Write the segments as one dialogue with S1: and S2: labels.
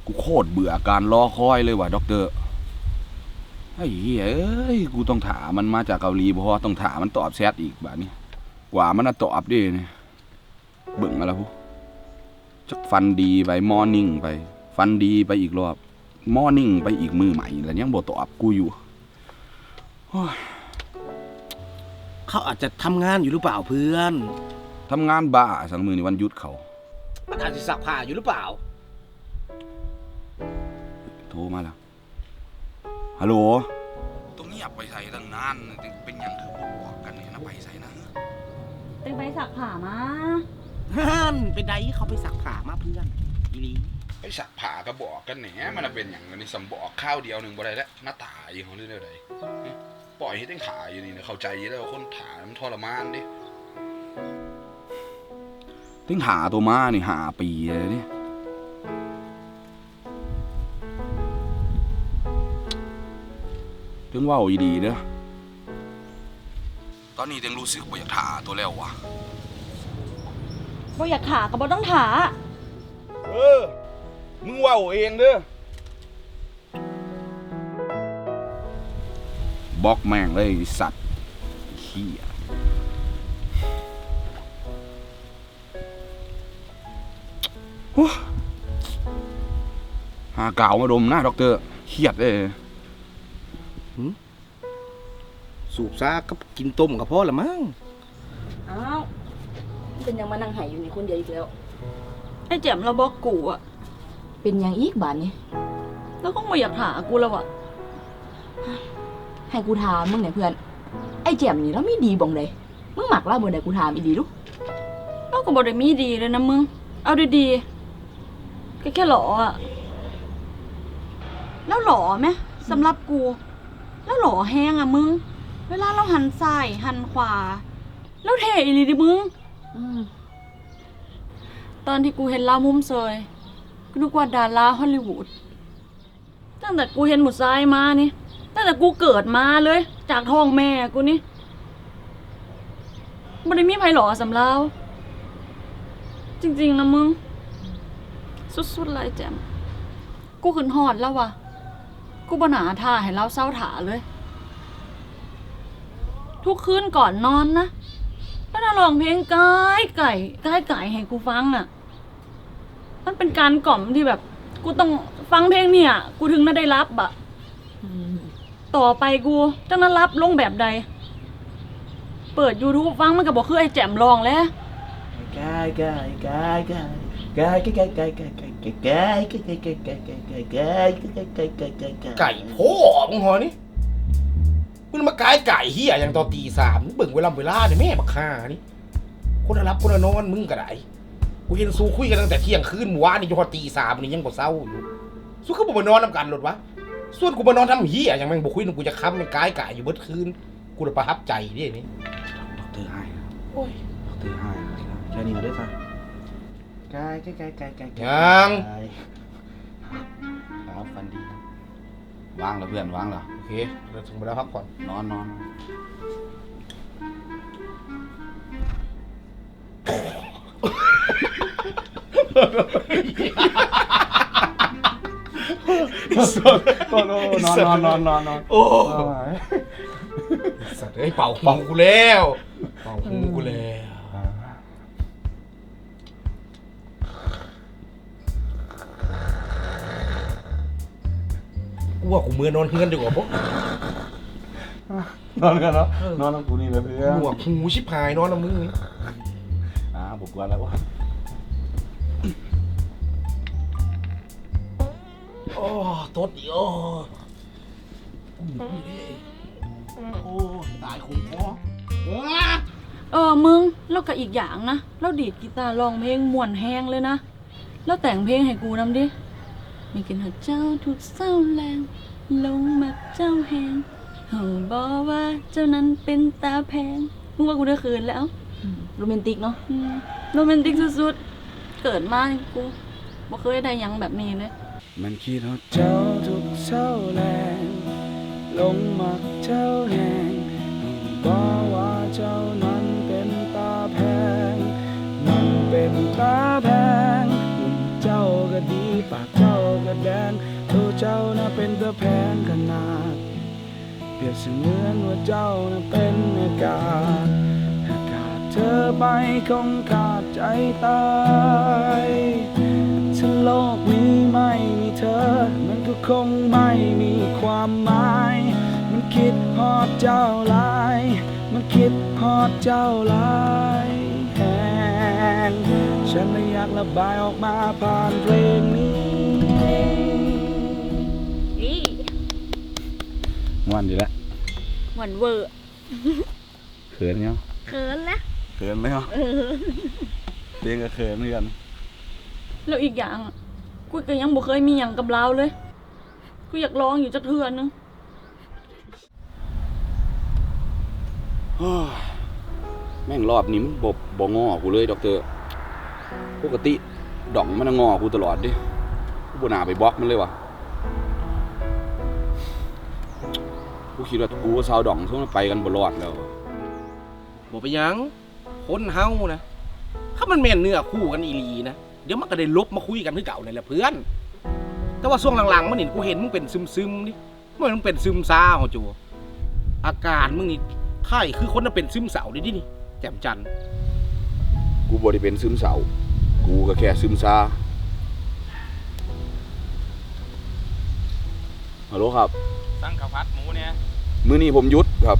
S1: กูโคตรเบื่อการรอคอยเลยว่ะด็อกเตอร์ไอ้เหี้ยเอ้ยกูต้องถามมันมาจากเกาหลีเพราะว่าต้องถามมันตอบแชทอีกแบบนี้กว่ามันจะตอบดิเนี่ยเบิ่งมาแล้วพูจักฟันดีไปมอร์นิ่งไปฟันดีไปอีกรอบมอร์นิ่งไปอีกมือใหม่แล้วยังบ่ตอบกูอยู่
S2: เขาอาจจะทำงานอยู่หรือเปล่าเพื่อน
S1: ทำงานบ้าสังมือในวันหยุดเขา
S2: มันอาจจะซักผ้าอยู่หรือเปล่า
S1: โทรมาแล้วฮัลโหลตรงนี้อยากไปใส่ตั้งนานเป็นอย่างคือบอกกันเนี่ยนะไปใส่นะ
S3: เต็งไปสักผ้ามา
S2: ฮั่นเป็นไดเขาไปซักผ้ามาเพื่อนอีลี
S1: ไปสักผ้าก็บอกกันแหนมันเป็นอย่างนี้สมบอกข้าวเดียวหนึ่งบ่ได้แล้วหน้าตาอยู่ของเรื่องใดปล่อยให้ตั้งขาอยู่นี่เข้าใจแล้วคนถามันทรมานดิตั้งหาตัวมานี่หาปีเลยนี่ถึงว่าอีดีเด้อตอนนี้ยังรู้สึกว่าอยากถาตัวแล้ววะ
S3: บ่อยากถาก็บ่ต้องถา
S1: มึงว่าเองเด้อบล็อกแม่งเลยสัตว์เหี้ยหาเก่ามาดมนะด็อกเตอร์เครียดเลย
S2: สูบซาก็กินต้มกับพ่อละมั้ง
S3: อ้าวเป็นยังมานั่งหายอยู่นี่คนเดียวอีกแล้วไอ้แจ่มเราบอกกูอะเป็นยังอีกบาทนี่แล้วก็ไม่อยากถากูแล้วอะให้กูถามมึงเนี่ยเพื่อนไอ้แจ่มนี่แล้วมีดีบ่งเลยมึงหมักเล่าบ่ได้กูถามอีดีลูกเราก็บ่ได้มีดีเลยนะมึงเอาดีๆแค่หล่ออะแล้วหล่อไหมสำหรับกูแล้วหล่อแห้งอะมึงเวลาเราหันซ้ายหันขวาแล้วเท่อีหลีดิมึงตอนที่กูเห็นลามุมเซยกูนึกว่าดาราฮอลลีวูดตั้งแต่กูเห็นหมุดซ้ายมานี่ตั้งแต่กูเกิดมาเลยจากท้องแม่กูนี่ไม่ได้มีไผหล่อสำเราจริงๆนะมึงสุดๆเลยแจมกูขึ้นหอดแล้ววะกูบ่หนาท่าให้เราเศร้าถาเลยทุกคืนก่อนนอนนะก็จะร้องเพลงไก่ให้กูฟังอ่ะมันเป็นการกล่อมที่แบบกูต้องฟังเพลงเนี่ยกูถึงได้รับอ่ะต่อไปกูจะนั้นรับลงแบบใดเปิด YouTube ฟังมันก็บอกคือไอ้แจ่มลองแล้ว
S2: ไก่พ่อมึงหอนี่มึงมาไก่เฮียอย่างตอนตีสามเบิ่งเวลาเนี่ยแม่บักฆ่านี่คนรับคนนอนมึงก็ได้กูเห็นสู้คุยกันตั้งแต่เที่ยงคืนเมื่อวานนี่จนพอตีสามนี่ยังบ่เศร้าอยู่สู้เขาบอกมานอนนำกันหรอวะส่วนกูมานอนทำเฮียอย่างแม่งบ่คุยกูจะค้ำมันไก่อยู่เบิดคืนกูจะประทับใจดินี่
S1: ด็อกเตอร์ให้
S2: โอ้ย
S1: ด็อกเตอร์ให้แค่นี้มาด้วยค่ะ
S2: ไก่
S1: ยังครับฟันดีวางแล้วเพื่อนวางแล้ว
S2: โอเคเราถึงเวลาพักผ่อน
S1: นอน
S2: โอ้สัตว์ไอ้เป่าหูกูแล้วเป่าหูกูแล้วกูว่ากูมือนอนเฮือนดีกว่าพวก
S1: นอนกันเนาะนอนกับกูนี่เลยเพื่อน
S2: หัวหูชิบหายนอนกับมึง
S1: ผมกวนแล้ววะ
S2: โอ้ตดอีโอ้ตายคงพอ
S3: มึงแล้วก็อีกอย่างนะเราดีดกีตาร์ร้องเพลงม่วนแห้งเลยนะแล้วแต่งเพลงให้กูนำดิมีกินหัวเจ้าถูกเศร้าแรงลงมาเจ้าแหงบอกว่าเจ้านั้นเป็นตาแพงมึงว่ากูได้คืนแล้วโรแมนติกเนาะโรแมนติกสุดๆเกิดมากูบ่เคยได้ยังแบบนี้เลย
S1: มันคิดว่าเจ้าถูกเศร้าแรงลงมาเจ้าแหงบอกว่าเจ้านั้นเป็นตาแพงมันเป็นตาแพงหุ่นเจ้าก็ดีปากเจ้าก็ก็แพงขนาดเปรียบเสมือนว่าเจ้านั้นเป็นอากาศหากขาดเธอไปคงขาดใจตายถ้าโลกนี้ไม่มีเธอมันก็คงไม่มีความหมายมันคิดฮอดเจ้าหลายมันคิดฮอดเจ้าหลายแหงฉันเลยอยากระบายออกมาผ่านเพลงนี้ม่วนดีแล้ว
S3: หวานเวอร์
S1: เขินเนาะ
S3: เขินแล้ว
S1: เขินไหมเนาะเรียกก็เขินเหมือนกัน
S3: แล้วอีกอย่างอะกูก็ยังบ่เคยมีอย่างกับเราเลยกูอยากลองอยู่จักเทื่อนึง
S1: แม่งรอบนี้มันบ่งอกูเลยด็อกเตอร์ปกติดอกมันงอกูตลอดดิกูบ่น่าไปบล็อกมันเลยวะกูคิดว่ากูกับสาวดองช่วงนั้นไปกันบ่รอดแล้ว
S2: บ่ไปนหยังคนเฮานะถ้ามันแม่นเนื้อคู่กันอีหลีนะเดี๋ยวมันก็ได้ลบมาคุยกันคือเก่านั่นแหละเพื่อน แต่ว่าช่วงหลังๆมันเห็นกูเห็นมึงเป็นซึมๆนี่มึงเป็นซึมซ่าเหรอจูอาการมึงนี่ไข้คือคนน่ะเป็นซึมเศร้าดินี่แจ่มจันทร์
S1: กูบ่ได้เป็นซึมเศร้ากูก็แค่ซึมซาฮัลโหลครับ
S4: สั่งข้าวผัดหมูเนี่ย
S1: มื้อนี้ผมหยุดครับ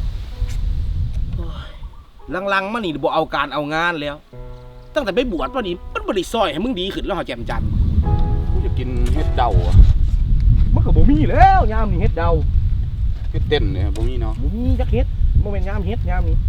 S2: หลังๆมันนี่บ่เอาการเอางานแล้ว ตั้งแต่ไปบวชมานี่มันบ่ได้ซอยให้มึงดีขึ้นแล้วเหรอแจ่มจันทร์
S1: กูจะกินเฮ็ดเดาอะ
S2: มันก็บ่มีแล้วยามนี่เฮ็ดเดา
S1: เฮ็ดเต้นเนี่ยบ่มีเนาะ
S2: บ่มีจักเฮ็ดบ่แม่นยามเฮ็ดยามนี้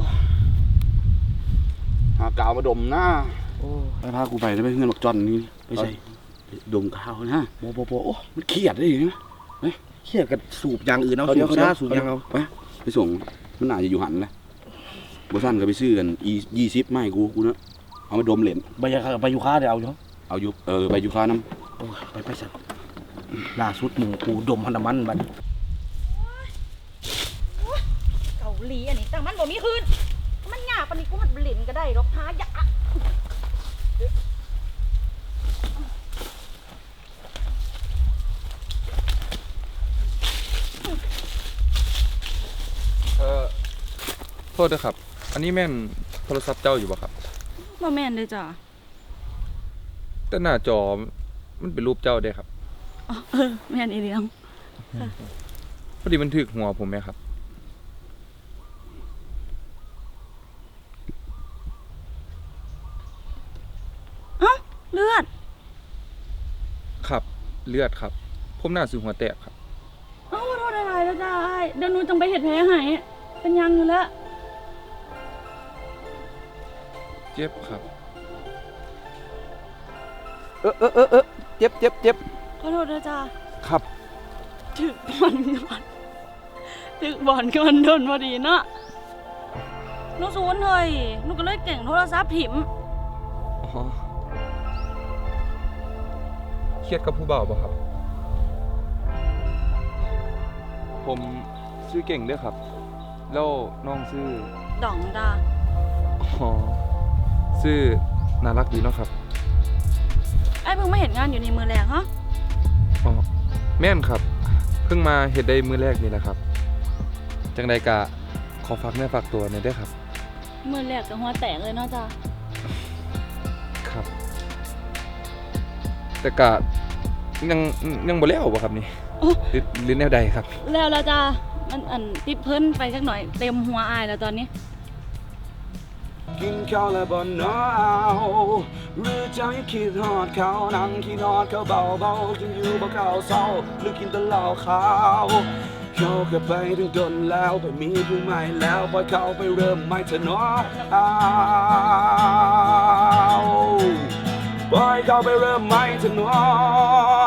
S1: หากาวมาดมหน้า
S2: โอ้
S1: ไปพากูไปได้ไปเฮือนบักจอนนี่ไปใส่ไปดมกาวนะ
S2: บ่โอ้
S1: มันเครียดได้ยังไง
S2: เครียดกับสูบอย่างอื่นเอา
S1: เดี๋ยว
S2: สูบ
S1: เดี๋
S2: ซ่า
S1: ยว
S2: สูบหยังเอา
S1: ไปส่งมันน่าจะอยู่หันแหละบ่ซั่นก็ไปซื้อกัน20ไม่กูเนาะเอามาดมเล่น
S2: ไปอยู่ค้าเดี๋ยวเอาอยู่
S1: เอาอยู่ไปอยู่ค้าน้
S2: โอ้ยไปสั่นล่าสุดหมู่กูดมพันธมันบัดนี้
S3: เกาหลีอันนี้แต่มันบ่มีคืนมันยากปานนี้กูหัดเล่นก็ได้หรอกหายะ
S4: โทษด้วยครับ อันนี้แม่นโทรศัพท์เจ้าอยู่ป่ะครับ
S3: บ่แม่นเด้อจ้ะ
S4: แต่หน้าจอมันเป็นรูปเจ้าเด้ครับ
S3: อ๋อแม่นอีเลียง
S4: พอดีมันถึกหัวผมไหมครับ
S3: เอ้าเลือด
S4: ครับ เลือดครับ ผมหน้าซื้อหัวแตกครับ
S3: เอ้าขอโทษอะไรแล้วจ้าเดี๋ยวหนูจังไปเฮ็ดแผลให้เป็นยังอยู่แล้ว
S4: เจ็บครับ
S1: ำเจ็บ
S3: ขอโทษนะจ้า
S1: ครับ
S3: ถึกบอลก่อนถึกบอลก่อนโดนพอดีเนาะหนูศูนย์เฮ้ยหนูก็เลยเก่งโทรศัพท์ถิ่ม
S4: อ๋อ เครียดกับผู้บ่าวป่ะครับ ผมชื่อเก่งด้วยครับ แล้วน้องชื่อ
S3: ดองจ้า
S4: อ๋อชื่อน่ารักดีเนาะครับ
S3: ไอ้เพิ่งมาเห็นงานอยู่ในมือแรงฮะ
S4: อ๋อ แม่นครับ เพิ่งมาเฮ็ดได้มื้อแรกนี่แหละครับ จังใดกะขอฝากเนื้อฝากตัวหน่อยเด้อครับ
S3: มือแรกกับหัวแตกเลยเนาะจ้า
S4: ครับ แต่กะยังบ่แล้วบ่ครับนี่หรือแนวใดครับ
S3: แล้วละจ้ามันติดเพิ่นไปสักหน่อยเต็มหัวอายแล้วตอนนี้
S1: กินข้าวแล้วบ่หนาวหรือใจคิดฮอดเขานั่งคิดฮอดเขาเบาๆจนอยู่บ่เข้าเศร้าหรือกินแต่เหล้าขาวเขาก็ไปถึงดนแล้วไปมีผู้ใหม่แล้วปล่อยเขาไปเริ่มใหม่เถอะเนาะปล่อยเขาไปเริ่มใหม่เถอะเนาะ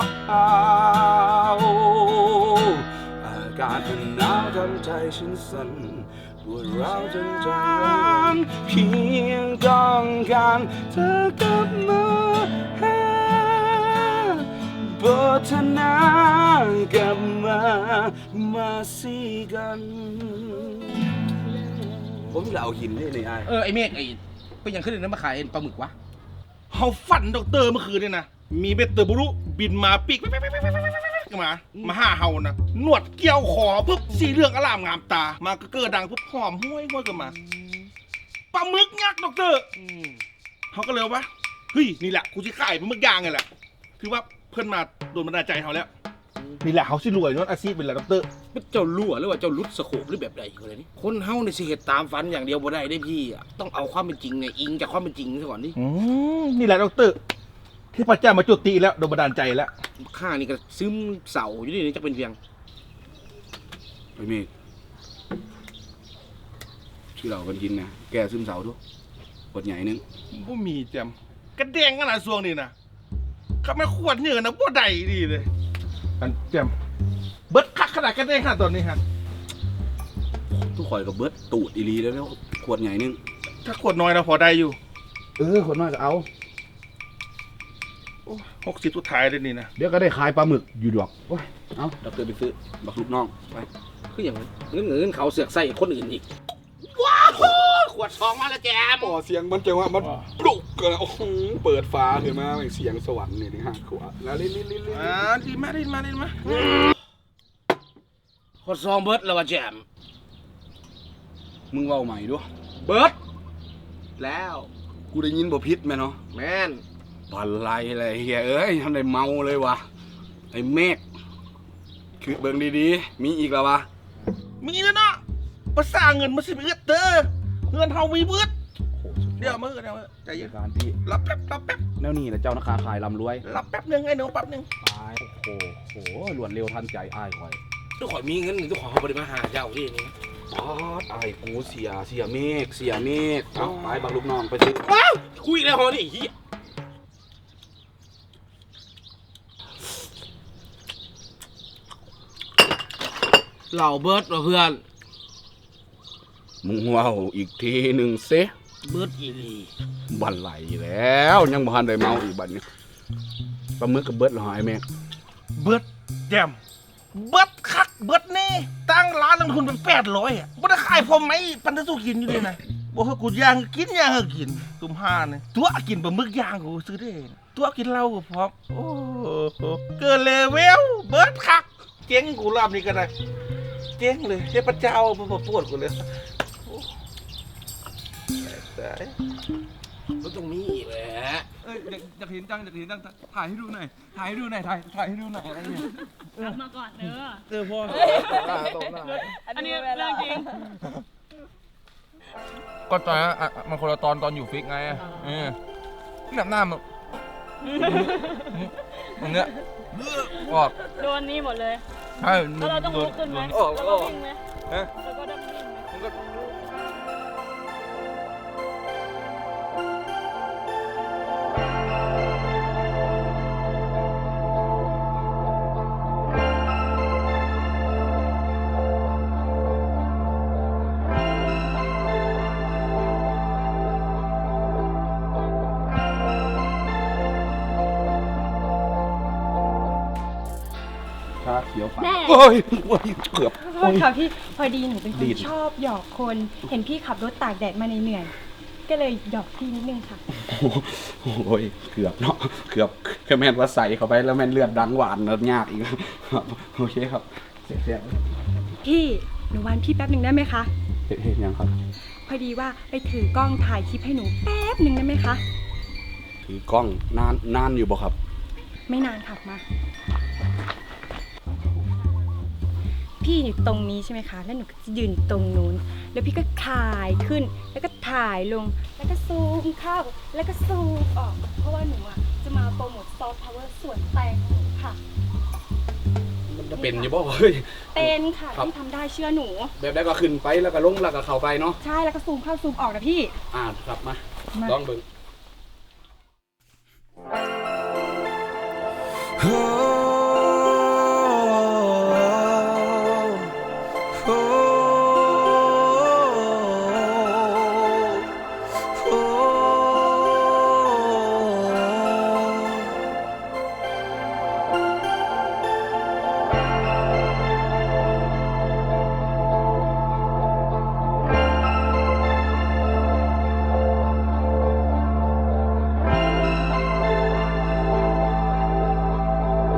S1: อากาศมันหนาวทำใจฉันสั่นปวดร้าวจนใจร้อนเพียงต้องการเธอกลับมาหาบทนากลับมาสิกัน ผมจะเอาหินนี่ในไอ้
S2: ไอ้เมฆไอ้เป็นอย่างขึ้นเลยนะมาขายปลาหมึกวะเฮาฝันด็อกเตอร์เมื่อคืนเนี่ยนะมีเบ็ดเตอร์บุรุบินมาปีก
S5: ก็มาห้าเฮานะหนวดเกี่ยวคอปุ๊บสีเหลืองอลามงามตา มาก็เกิดดังปุ๊บหอมห้วยก็มาปลาหมึกยักษ์ดอกเตอร์เขาก็เลยว่าเฮ้ยนี่แหละกูจะขายปลาหมึกย่างไงแหละคือว่าเพื่อนมาโดนบันดาลใจเขาแล้วนี่แหละเขาสิรวยนวดอาชีพเป็นแหละดอกเตอร์
S2: เจ้ารั่วหรือว่าเจ้าลุดสโคปหรือแบบใดอะไรนี่คนเฮาในสิเหตุตามฝันอย่างเดียวบ่ได้ได้พี่อะต้องเอาความเป็นจริงเนี่ยอิงจากความเป็นจริงซะก่อนดิ
S5: นี่แหละดอกเตอร์ที่พระเจ้ามาจุติแล้วโดนบันดาลใจแล้ว
S2: ข้านี่ก็ซึมเสาอยู่นี่จะเป็นเพียง
S1: ไอ้เมฆที่เรากันกินนะแกซึมเศร้าทุกขวดใหญ่นึง
S5: บ่มีแจมกระเด้งขนาดซวงนี่นะเขาไม่ขวดเนื้อนะบ่ได้ดีเลยอันแจมเบิดคักขนาดกระเด้งขนาดตอนนี้ฮะ
S1: ทุกข่อยกับเบิร์ดตูดอีหลีแล้วขวดใหญ่นึง
S5: ถ้าขวดน้อยนะพอได้อยู่
S1: ขวดน้อยก็เอา
S5: 60สุดท้ายเลยนี่นะ
S1: เดี๋ยวก็ได้ขายปลาหมึกอยู่ดอกโอ้ยเอาดอกเตอร์ไปซื้อบักลูกน้องไป
S2: คืออย่างเงินเขาเสือกใส่คนอื่นอีกว้าวขวดซองมาแล้วแจม
S1: อ๋อเสียงมันจังว่ามันปลุกกันโอ้โหเปิดฟ้าขึ้นมาเสียงสวรรค์นี่ฮะขวดแล้วลิ้น
S5: ดีมากดีมากดีมาก
S2: ขวดซองเบิร์ดแล้วว่าแจม
S1: มึงเว้าใหม่ด้วย
S2: เบิร์ดแล้ว
S1: กูได้ยินบ่พิษไหมเนาะ
S2: แม่น
S1: บันไลอะไรเฮียเอ้ยทำได้เมาเลยวะไอ้เมฆคือเบิ่งดีๆมีอีกแล้ววะ
S5: มีแล้วเนาะภาษาเงินมาสิบเอ็ดเด้อเงินเฮามีเบิดเดี๋ยวมือใจเย็น
S1: การที่
S5: รับแป๊บ
S1: แนวนี้แหละเจ้านาคาขายลำรวย
S5: รับแป๊บนึงไอ้หนูแป๊บนึง
S1: ตายโอ้โหรวดเร็วทันใจอ้ายคอย
S2: ทุกคนมีเงินทุกคนเขาบริมาหาเจ้าที่นี่
S1: ป๊าดอ้ายกูเสียเมฆเอาไปบักลูกน้องไปซื้อ
S2: ว้าวคุยแล้วฮอนี่เฮียเหล่าเบิร์ดว่ะเพื่อน
S1: มึงเว้าอีกทีหนึ่งเซ
S2: เบิร์ดอีหลี
S1: บันไหลแล้วยังบ่ทันได้เมาอีกบัดนี้ปลาหมึกกับเบิดเหรอไอ้เมฆ
S5: เบิดแจมเบิดคักเบิดแน่ตั้งร้านลงทุนเป็น800อ่ะบ่ได้ขายพอไหมปันจะสู้กินอยู่เลยนะบ่ให้กูย่างกินตุ่มห่าเนี่ยตัวกินปลาหมึกย่างกูซื้อได้นะตัวกินเหล้าก็พร้อมโอ้โหเกินเลเวลเบิดคักเจ๊งกูรอบนี้ก็ได้เจ๊งเลยเทพเจ้ามาปวดกูเลยโอ้ตาย
S2: ก็ต้องมีแหละ
S4: อยากเห็นจังถ่ายให้ดูหน่อยถ่ายให้ดูหน่อยอะไรเงี้ย
S3: รับมาก่อนเออ
S5: พ่อ
S3: อันนี้เรื่องจริง
S4: ก็ตอนนั้นมันคนละตอนอยู่ฟิกไงหน้ามันตรงเนี้ยออก
S3: โดนนี่หมดเลย
S4: ใช่
S3: แล้วเราต้องลุกขึ้นไหม
S4: ออก
S3: แล้วก็วิ่งไหม
S4: ฮะ
S3: แล้วก็ต้องวิ่งไหม
S1: ชาเขียวฝา
S6: แม่
S1: โอ้ยเกือบ
S6: โทษค่ะพี่พอดีหนูเป็นค
S1: ดี
S6: น
S1: ด
S6: ชอบหยอกคน เห็นพี่ขับรถตากแดดมาเหนื่อยๆก็เลยหยอกพี่นิดนึงค่ะ
S1: โอ้ยเกือบเนาะเกือบแค่แม่นว่าใส่เข้าไปแล้วแม่นเลือดดังหวานแล้วยากอีกครับโอเคครับเสีย
S6: พี่หนูวันพี่แป๊บหนึ่งได้ไหมคะ
S1: เฮ็ดยังครับ
S6: พอดีว่าไปถือกล้องถ่ายคลิปให้หนูแป๊บหนึ่งได้ไหมคะ
S1: ถือกล้องนานอยู่บ่ครับ
S6: ไม่นานค่ะมา พี่อยู่ตรงนี้ใช่ไหมคะ แล้วหนูก็จะยืนตรงนู้น แล้วพี่ก็ถ่ายขึ้น แล้วก็ถ่ายลง แล้วก็ซูมเข้า แล้วก็ซูมออก เพราะว่าหนูอ่ะจะมาโปรโมทซอฟต์พาวเวอร์ส่วนแตงของหนูค่ะ
S1: มันจะเป็นอยู่บ่เฮ้ย
S6: เป็นค่ะ
S1: ครับ
S6: พี่ทำได้เชื่อหนู
S1: แบบได้ก็ขึ้นไปแล้วก็ลงแล้วก็เข้าไปเนาะ
S6: ใช่ แล้วก็ซูมเข้าซูมออกนะพี่
S1: ครับมา
S6: มา
S1: ลองเบิ่ง
S6: พ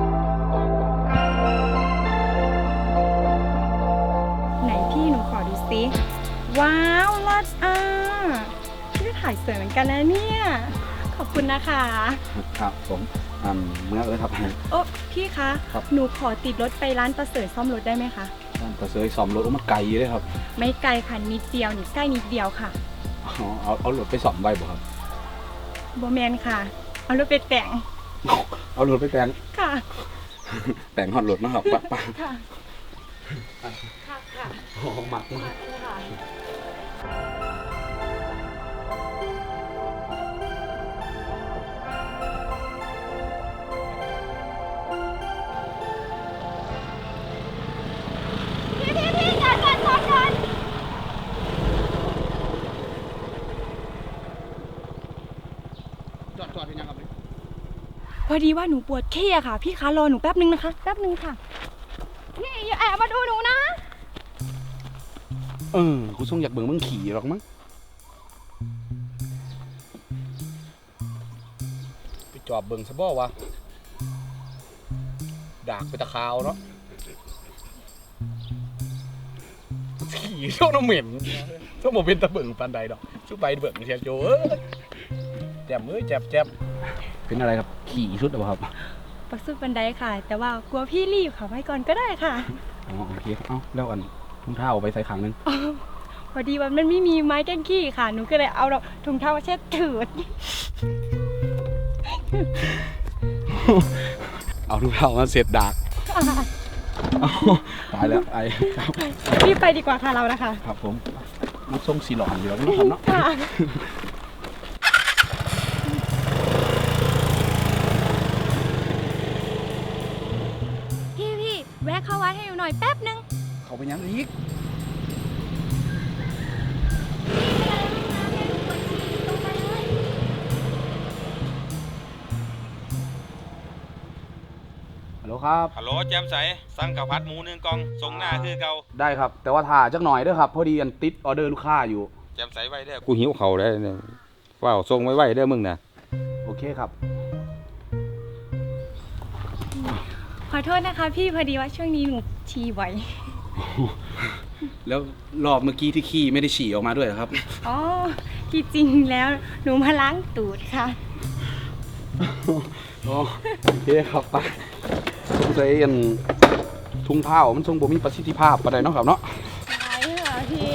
S6: กันนะเนี่ย ขอบคุณนะคะ
S1: ครับผมเมื่อเลยครับ
S6: โอ้พี่คะ
S1: ครับ
S6: หนูขอติดรถไปร้านประเสริฐซ่อมรถได้ไหมคะ
S1: ท่านประเสริฐซ่อมรถมาไกลเลยครับ
S6: ไม่ไกลค่ะนิดเดียวนี่ใกล้นิดเดียวค่ะ
S1: อ๋อเอารถไปซ่อมไว้บ่ครับ
S6: โบแมนค่ะ เอารถไปแต่ง
S1: เอารถไปแต่ง
S6: ค่ะ
S1: แต่งฮอดรถนะครับปะ
S6: ค่ะ ค่ะค่ะ
S1: โอ้หมักมาก
S6: ค่ะ
S1: จอดเป็นยังครับ
S6: พอดีว่าหนูปวดขี้อะค่ะ พี่คะรอหนูแป๊บนึงนะคะ แป๊บนึงค่ะ นี่อย่าแอบมาดูหนูนะ
S1: กูส่งอยากเบิ่งมึงขี่หรอกมั้งไปจอบเบิ่งซะบ่วะดากไปตะคาวเนาะขี่โซนเหม็นต้องบ่เป็นตะเบิ่งปานใดดอกชุบไปเบิ่งเสียโจแจ่มแจ่มเป็นอะไรครับขี่สุดหรือเปล่าครับ
S6: ปักสุดบันไดค่ะ แต่ว่ากลัวพี่รีบค่ะไว้ก่อนก็ได้ค่ะ
S1: อ๋อโอเคเอ้าแล้วถุงเท้าเอาไปใส่ขังนึง
S6: พอดีว่ามันไม่มีไม้แกงขี้ค่ะ หนูก็เลยเอาถุงเท้ามาเช็ดถืด
S1: เอาถุงเท้ามาเสร็จดากเอาตายแล้วไอ้ครับ
S6: รีบไปดีกว่าค่ะเรานะคะ
S1: ครับผมมันทรงสีหลอนอยู่แล้วนะครับเนาะ
S6: ค่ะ พี่แวะเข้าวัดให้หนูหน่อยแป๊บนึง
S1: เขาไปยังอีกฮัลโหลครับ
S7: ฮัลโหลแจมใสสั่งข้าวผัดหมู1กล่องส่งหน้าคือเก่า
S1: ได้ครับ แต่ว่าถ่าจักหน่อยเด้อครับ พอดีอันติดออเดอร์ลูกค้าอยู่
S7: แจมใสไว้เด้อกูหิวเขาได้เนี่ยว้าวส่งไว้เด้อมึงนะ
S1: โอเคครับ
S6: ขอโทษนะคะ พี่พอดีว่าช่วงนี้หนูฉี่บ่อย
S1: แล้วรอบเมื่อกี้ที่ขี้ไม่ได้ฉี่ออกมาด้วยเหรอครับ
S6: อ๋อที่จริงแล้วหนูมาล้างตูดค่ะ
S1: อ๋อโอเคครับไปสงสัยอันทุ่งเท้ามันทรงบ่มีประสิทธิภาพปานใดเนาะครับเนาะ
S6: ใช่ค่ะพี่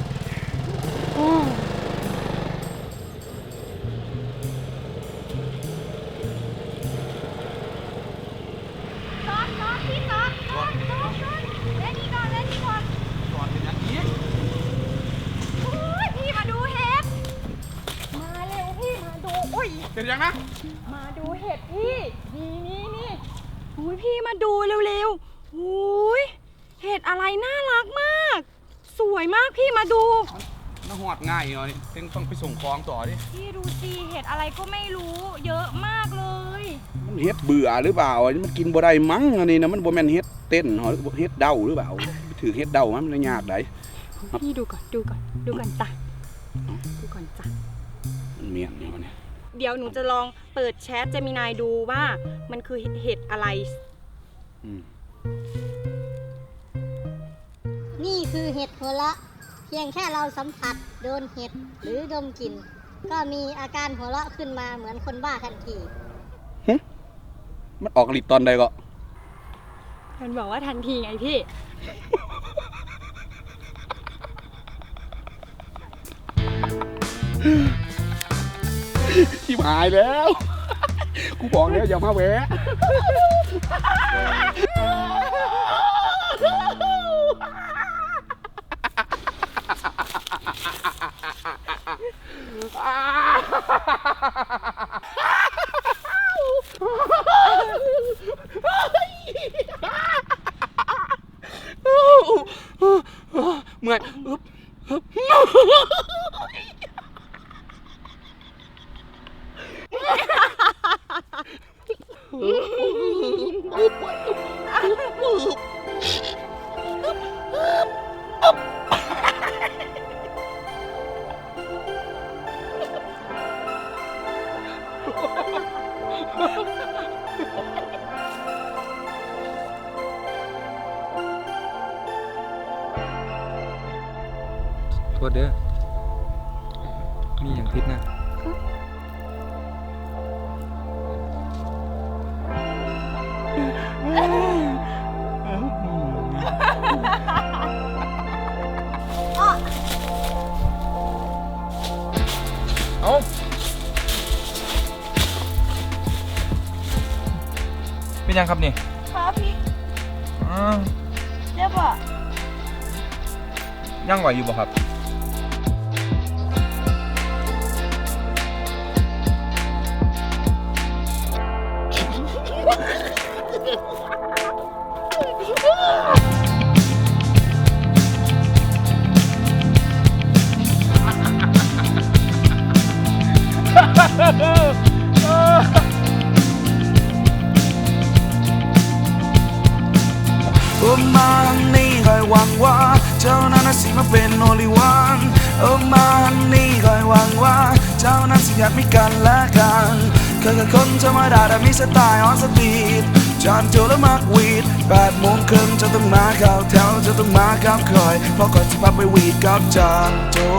S6: ซอสพี่ซอสเล่นนี่ก่อน
S1: ก่อนเป็นอย่างนี้
S6: โอ้ยพี่มาดูเห็ด มาเร็วพี่มาดูอุ้ย
S1: เป็นยังนะ
S6: มาดูเห็ดพี่ นี่อุ้ยพี่มาดูเร็วๆอุ้ยเห็ดอะไรน่ารักมาก สวยมากพี่มาดู
S1: น่าหอดง่ายเนาะนี่ต้องไปส่งของต่อดิ
S6: พี่ดูสิเห็ดอะไรก็ไม่รู้ เยอะมากเลย
S1: มันเฮ็ดเบื่อหรือเปล่าอันนี้มันกินบ่ได้มั้งอันนี้นะมันบ่แม่นเฮ็ดเต้นหรอเฮ็ดเดาหรือเปล่าถือเฮ็ดเดามันเลยยากได้
S6: พี่ดูก่อนจ้ะดูก่อนจ้ะ
S1: มันเมียนอยู่เนี่ย
S6: เดี๋ยวหนูจะลองเปิดแชทเจมินายดูว่ามันคือเห็ดอะไร
S1: อืม
S8: นี่คือเห็ดหัวเราะเพียงแค่เราสัมผัสโดนเห็ดหรือดมกลิ่นก็มีอาการหัวเราะขึ้นมาเหมือนคนบ้าทันที
S1: มันออกฤทธิ์ตอนใดก็
S6: มันบอกว่าทันทีไงพี่
S1: ชิบหายแล้ว กูบอกแล้วอย่ามาแหวะ เมื่อยอึ๊บ
S4: โทษเด้อ มีอย่างทิศนะยังครับนี่
S3: ครับพี่
S4: อ๋อ
S3: เจ็บอ่ะ
S4: ยังไหวอยู่บ่ครับ
S9: มานี่คอยหวังว่าเจ้านั้นน่ะสิมาเป็นโอลิวันมานี่คอยหวังว่าเจ้านั้นสิอยากมีกันและกันเคยกับคนธรรมดาแต่มีสไตล์ออนสปีดจานโจและมักวีด8:30เจ้าต้องมาเข้าแถวเจ้าต้องมากับคอยเพราะก่อนจะพาไปวีดกับจานโจ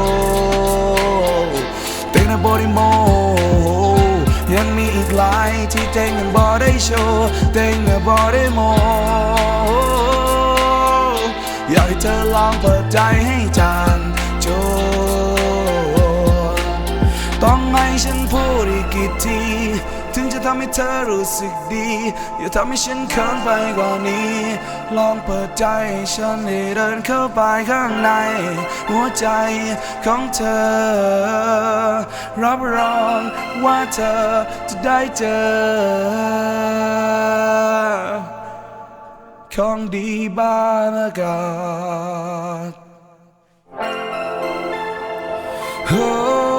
S9: เต็งในบอดี้โมยังมีอีกหลายที่เต็งยังบ่ได้โชว์เต็งยังบ่ได้โมอยากให้เธอลองเปิดใจให้จานโจต้องให้ฉันพูดอีกกี่ทีถึงจะทำให้เธอรู้สึกดีอย่าทำให้ฉันเขินไปกว่านี้ลองเปิดใจให้ฉันได้เดินเข้าไปข้างในหัวใจของเธอรับรองว่าเธอจะได้เจอของดีบ้านอากาศโอ้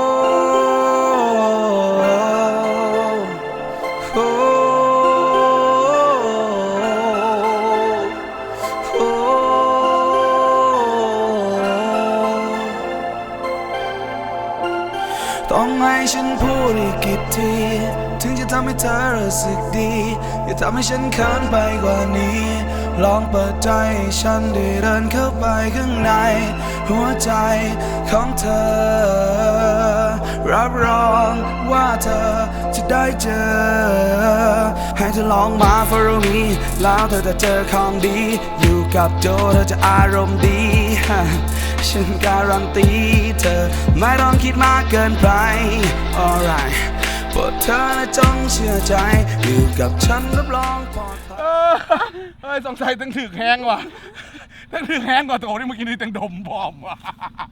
S9: โอ้โอ้ต้องให้ฉันพูดอีกกี่ทีถึงจะทำให้เธอรู้สึกดีอย่าทำให้ฉันเขินไปกว่านี้ลองเปิดใจให้ฉันได้เดินเข้าไปข้างในหัวใจของเธอรับรองว่าเธอจะได้เจอให้เธอลองมา follow me แล้วเธอจะเจอของดีอยู่กับโจเธอจะอารมณ์ดีฉันการันตีเธอไม่ต้องคิดมากเกินไป alright โปรดเธอนะจงเชื่อใจอยู่กับฉันรับรองปลอดภัย
S1: เฮ้ยสงสัยตั้งถึกแห้งว่ะตั้งถึกแห้งกว่าโตที่เมื่อกี้นี้ตั้งดมพร้อมว่ะ